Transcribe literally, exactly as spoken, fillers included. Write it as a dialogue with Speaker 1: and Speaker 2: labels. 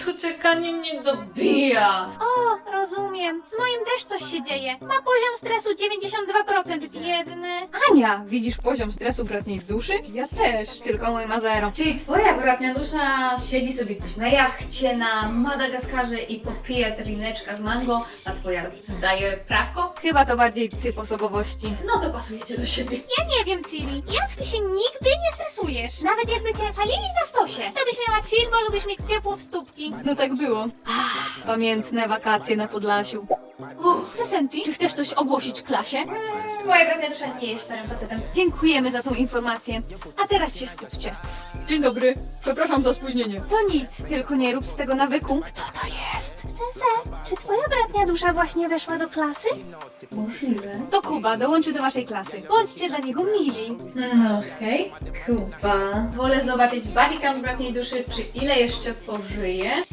Speaker 1: cicho czekanie mnie dobija.
Speaker 2: O, rozumiem. Z moim też coś się dzieje. Ma poziom stresu dziewięćdziesiąt dwa procent, biedny.
Speaker 3: Ania, widzisz poziom stresu bratniej duszy? Ja też, tylko mój ma zero.
Speaker 1: Czyli twoja bratnia dusza siedzi sobie gdzieś na jachcie na Madagaskarze i popija trineczka z mango, a twoja zdaje prawko?
Speaker 3: Chyba to bardziej typ osobowości.
Speaker 1: No to pasujecie do siebie.
Speaker 2: Ja nie wiem, Ciri. Jak ty się nigdy nie stresujesz? Nawet jakby cię palili na stosie. To byś miała chill, bo lubisz mieć ciepło w stópki.
Speaker 3: No tak było. Ach, pamiętne wakacje na Podlasiu. Uff, Sesenti, czy chcesz coś ogłosić klasie?
Speaker 1: Moja bratnia dusza nie jest starym facetem.
Speaker 3: Dziękujemy za tą informację. A teraz się skupcie. Dzień dobry. Przepraszam za spóźnienie. To nic, tylko nie rób z tego nawyku. Kto to jest?
Speaker 2: Sese, czy twoja bratnia dusza właśnie weszła do klasy?
Speaker 1: Możliwe.
Speaker 3: To Kuba, dołączy do waszej klasy. Bądźcie dla niego mili.
Speaker 1: No hej, Kuba. Wolę zobaczyć body count bratniej duszy, czy ile jeszcze pożyje.